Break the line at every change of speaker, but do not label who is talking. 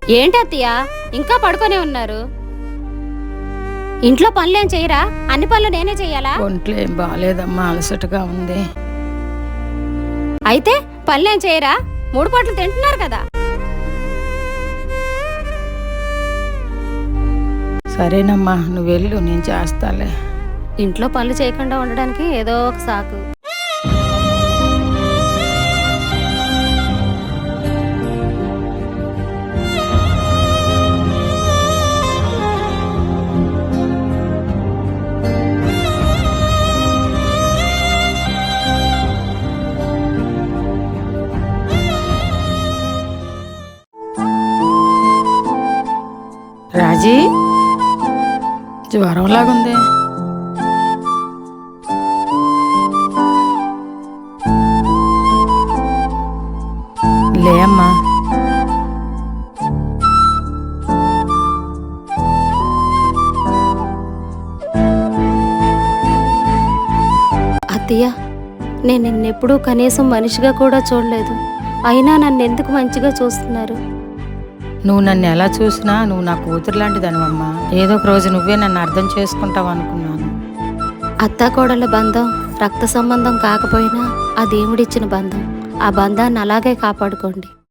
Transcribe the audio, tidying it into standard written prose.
ఏంటి అత్తయ్య ఇంకా పడుకొనే ఉన్నారు? ఇంట్లో పనులేం చేయరా? అన్ని పనులు నేనే చెయ్యాలా?
ఒంట్లో ఏం బాగాలేదమ్మా, అలసటగా ఉంది.
అయితే పనులేం చేయరా? 3 పూటలు తింటున్నారు కదా.
సరేనమ్మా, నువ్వు వెళ్ళు, నేను చేస్తాలే.
ఇంట్లో పనులు చేయకుండా ఉండడానికి ఏదో ఒక సాకు.
రాజీ, జ్వరంలాగుంది. లే అమ్మా.
అత్తయ్య, నేను నిన్నెప్పుడూ కనీసం మనిషిగా కూడా చూడలేదు. అయినా నన్ను ఎందుకు మంచిగా చూస్తున్నారు?
నువ్వు నన్ను ఎలా చూసినా నువ్వు నా కూతురు లాంటిదనివమ్మా. ఏదో ఒక రోజు నువ్వే నన్ను అర్థం చేసుకుంటావు అనుకున్నాను.
అత్తాకోడళ్ళ బంధం రక్త సంబంధం కాకపోయినా ఆ దేవుడిచ్చిన బంధం. ఆ బంధాన్ని అలాగే కాపాడుకోండి.